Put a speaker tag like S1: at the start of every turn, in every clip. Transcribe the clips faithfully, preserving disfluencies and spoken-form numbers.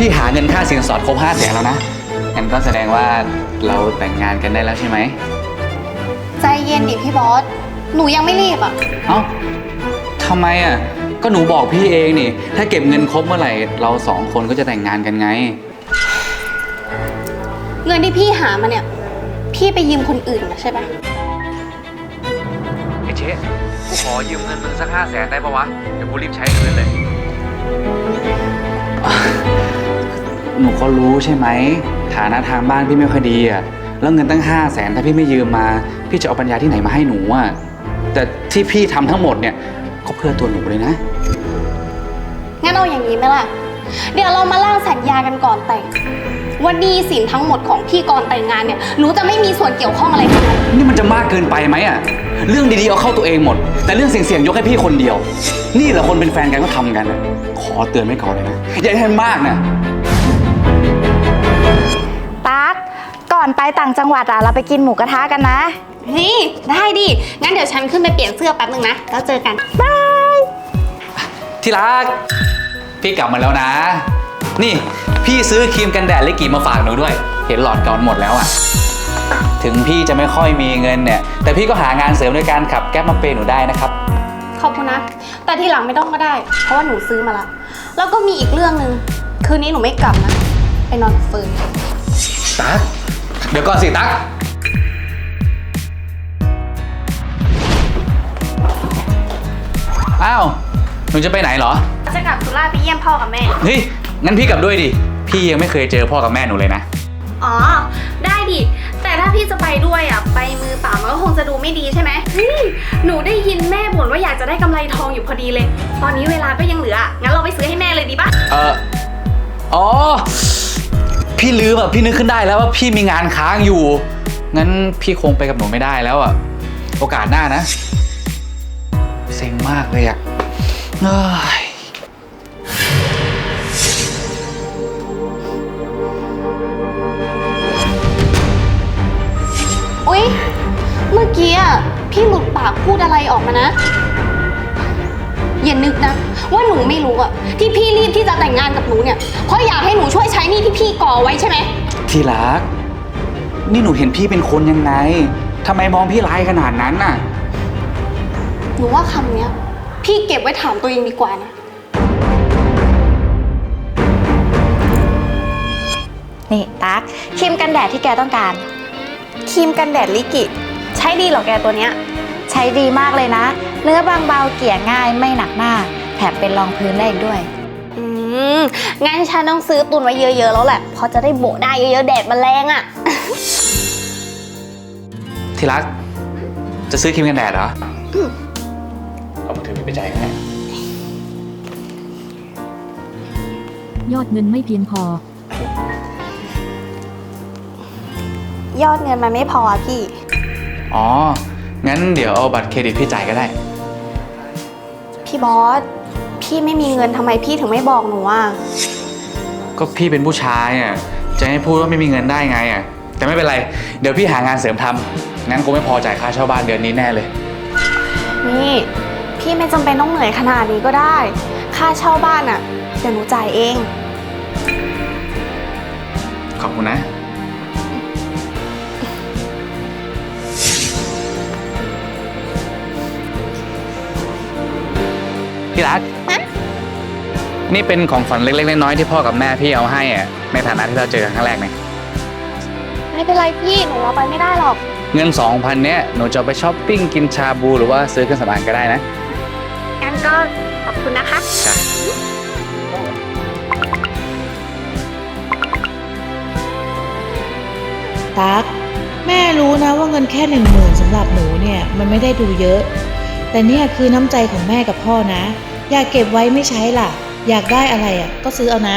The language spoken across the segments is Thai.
S1: พี่หาเงินค่าสินสอดครบห้าแสนแล้วนะงั้นก็แสดงว่าเราแต่งงานกันได้แล้วใช่ไหม
S2: ใจเย็นดิพี่บอสหนูยังไม่รีบอ่ะ
S1: เอ้าทำไมอ่ะก็หนูบอกพี่เองนี่ถ้าเก็บเงินครบเมื่อไหร่เราสองคนก็จะแต่งงานกันไง
S2: เงินที่พี่หามาเนี่ยพี่ไปยืมคนอื่นมาใช่ปะ
S1: ไอ้เจ๊กูขอยืมเงินมึงสักห้าแสนได้ปะวะเดี๋ยวกูรีบใช้เงินเลยหนูก็รู้ใช่ไหมฐานะทางบ้านพี่ไม่ค่อยดีอ่ะแล้วเงินตั้งห้าแสนถ้าพี่ไม่ยืมมาพี่จะเอาปัญญาที่ไหนมาให้หนูอ่ะแต่ที่พี่ทำทั้งหมดเนี่ยก็เพื่อตัวหนูเลยนะ
S2: งั้นเอาอย่างนี้ไหมล่ะเดี๋ยวเรามาล่างสัญญากันก่อนแต่งว่าหนี้สินทั้งหมดของพี่ก่อนแต่งงานเนี่ยหนูจะไม่มีส่วนเกี่ยวข้องอะไรทั้งนั้น
S1: นี่มันจะมากเกินไปไหมอ่ะเรื่องดีๆเอาเข้าตัวเองหมดแต่เรื่องเสี่ยงๆยกให้พี่คนเดียวนี่แหละคนเป็นแฟนกันก็ทำกันขอเตือนไว้ก่อนเลยนะอย่าให้มันมากนะ
S3: ตั๊กก่อนไปต่างจังหวัดอะเราไปกินหมูกระทะกันนะ
S2: นี่ได้ดิงั้นเดี๋ยวฉันขึ้นไปเปลี่ยนเสื้อแป๊บนึงนะแล้วเจอกัน
S3: บาย
S1: ที่รักพี่กลับมาแล้วนะนี่พี่ซื้อครีมกันแดดลิกิมาฝากหนูด้วยเห็นหลอดเก่าหมดแล้วอ่ะถึงพี่จะไม่ค่อยมีเงินเนี่ยแต่พี่ก็หางานเสริมในการขับแก๊ปมาเปย์หนูได้นะครับ
S2: ขอบคุณนะแต่ทีหลังไม่ต้องก็ได้เพราะว่าหนูซื้อมาละแล้วก็มีอีกเรื่องนึงคืนนี้หนูไม่กลับนะไปนอนกับเฟิร์น
S1: ตั๊กเดี๋ยวก่อนสิตั๊กอ้าวหนูจะไปไหนเหรอ
S2: จะกลับสุราษฎร์ไปเยี่ยมพ่อกับแม่
S1: เฮ้ยงั้นพี่กลับด้วยดิพี่ยังไม่เคยเจอพ่อกับแม่หนูเลยนะ
S2: อ๋อได้ดิแต่ถ้าพี่จะไปด้วยอ่ะไปมือเปล่ามันก็คงจะดูไม่ดีใช่ไหมหนูได้ยินแม่บ่นว่าอยากจะได้กำไรทองอยู่พอดีเลยตอนนี้เวลาก็ยังเหลืองั้นเราไปซื้อให้แม่เลยดีปะ
S1: เอออ๋อพี่ลืมอ่ะพี่นึกขึ้นได้แล้วว่าพี่มีงานค้างอยู่งั้นพี่คงไปกับหนูไม่ได้แล้วอ่ะโอกาสหน้านะเซ็งมากเลยอ่ะเฮ้ย
S2: อุ๊ยเมื่อกี้อ่ะพี่หลุดปากพูดอะไรออกมานะอย่านึกนะว่าหนูไม่รู้อ่ะที่พี่รีบที่จะแต่งงานกับหนูเนี่ยเพราะอยากให้หนูช่วยใช้หนี้ที่พี่ก่อไว้ใช่ไหม
S1: ที่รักนี่หนูเห็นพี่เป็นคนยังไงทำไมมองพี่ร้ายขนาดนั้นน่ะ
S2: หนูว่าคำเนี้ยพี่เก็บไว้ถามตัวเองดีกว่านะ
S3: นี่ตั๊กครีมกันแดดที่แกต้องการ
S2: ครีมกันแดดลิกิใช้ดีเหรอแกตัวเนี้ย
S3: ใช้ดีมากเลยนะเนื้อบางเบาเกลี่ยง่ายไม่หนักหน้าแถมเป็นรองพื้นได้อีกด้วย
S2: อืมงั้นฉันต้องซื้อตุนไว้เยอะๆแล้วแหละเพราะจะได้โบกได้เยอะๆแดดมันแรงอ่ะ
S1: ที่รักจะซื้อครีมกันแดดเหรอเอามือถือพี่ไปจ่ายให้
S4: ยอดเงินไม่เพียงพ
S2: อยอดเงินมันไม่พอพี่
S1: อ๋องั้นเดี๋ยวเอาบัตรเครดิตพี่จ่ายก็ได้
S2: พี่บอสพี่ไม่มีเงินทำไมพี่ถึงไม่บอกหนูอ่ะ
S1: ก็พี่เป็นผู้ชายอ่ะจะให้พูดว่าไม่มีเงินได้ไงอ่ะแต่ไม่เป็นไรเดี๋ยวพี่หางานเสริมทำงั้นกูไม่พอจ่ายค่าเช่าบ้านเดือนนี้แน่เลย
S2: นี่พี่ไม่จำเป็นต้องเหนื่อยขนาดนี้ก็ได้ค่าเช่าบ้านอ่ะเดี๋ยวหนูจ่ายเอง
S1: ขอบคุณนะพี่รักนี่เป็นของฝันเล็กๆน้อยๆที่พ่อกับแม่พี่เอาให้อ่ะในฐานะที่เราเจอกันครั้งแรกเนี่ย
S2: ไม่เป็นไรพี่หนูเอาไปไม่ได้หรอก
S1: เงิน สองพัน เนี้ยหนูจะไปช้อปปิ้งกินชาบูหรือว่าซื้อเครื่องสำอางก็ได้นะ
S2: งั้นก็ขอบคุณนะคะ
S1: จ้ะ
S5: ตั๊กแม่รู้นะว่าเงินแค่หนึ่งหมื่นสำหรับหนูเนี่ยมันไม่ได้ดูเยอะแต่เนี่ยคือน้ำใจของแม่กับพ่อนะอยากเก็บไว้ไม่ใช้ล่ะอยากได้อะไรอ่ะก็ซื้อเอานะ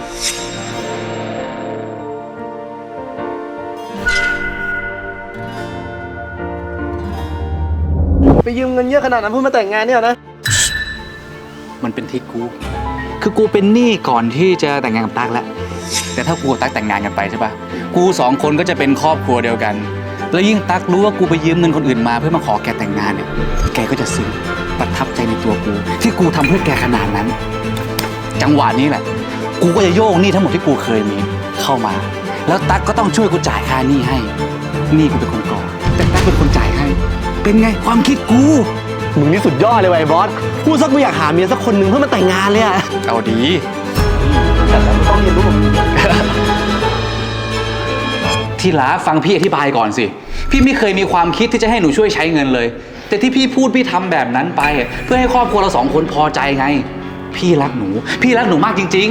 S6: ไปยืมเงินเยอะขนาดนั้นเพื่อมาแต่งงานเนี่ยนะ
S1: มันเป็นที่กูคือกูเป็นหนี้ก่อนที่จะแต่งงานกับตั๊กแล้วแต่ถ้ากูกับตั๊กแต่งงานกันไปใช่ปะกูสองคนก็จะเป็นครอบครัวเดียวกันแล้วยิ่งตั๊กรู้ว่ากูไปยืมเงินคนอื่นมาเพื่อมาขอแกแต่งงานเนี่ยแกก็จะซึ้งประทับใจในตัวกูที่กูทำเพื่อแกขนาดนั้นจังหวะนี้แหละกูก็จะโยกหนี้ทั้งหมดที่กูเคยมีเข้ามา แล้วตั๊กก็ต้องช่วยกูจ่ายค่าหนี้ให้หนี้กูเป็นคนก่อแต่ตั๊กเป็นคนจ่ายให้ เป็นไงความคิดกู
S6: มึงนี่สุดยอดเลยว่ะไอ้บอส พูดสักกูอยากหาเมียสักคนหนึ่งเพื่อมาแต่งงานเลยอะ
S1: เอาดี
S6: แต่ต้องเรียนรู้
S1: ที่รักฟังพี่อธิบายก่อนสิ พี่ไม่เคยมีความคิดที่จะให้หนูช่วยใช้เงินเลย แต่ที่พี่พูดพี่ทำแบบนั้นไป เพื่อให้ครอบครัวเราสองคนพอใจไง พี่รักหนู พี่รักหนูมากจริง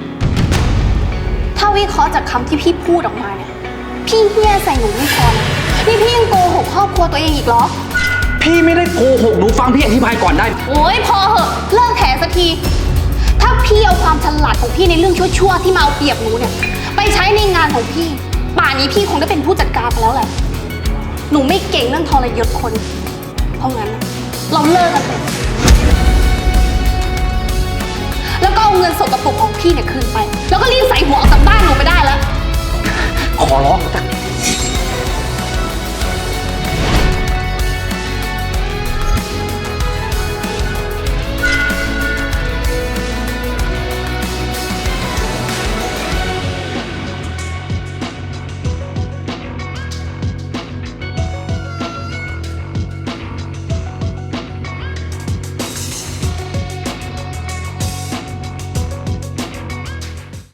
S2: ถ้าวิเคราะห์จากคำที่พี่พูดออกมาเนี่ย พี่เฮี้ยใส่หนูไม่พอนะนี่พี่ยังโกหกครอบครัวตัวเองอีกเหรอ
S1: ๆ พี่ไม่ได้โกหกหนูฟังพี่อธิบายก่อนได้
S2: โอ๊ยพอเหอะเลิกแถสักที ถ้าพี่เอาความฉลาดของพี่ในเรื่องชั่วๆที่มาเอาเปรียบหนูเนี่ย ไปใช้ในงานของพี่ ป่านนี้พี่คงได้เป็นผู้จัดการไปแล้วแหละ หนูไม่เก่งเรื่องทรยศคน เพราะงั้นน่ะเราเลิกกันเถอะแล้วก็เอาเงินสกปรกของพี่เนี่ยคืน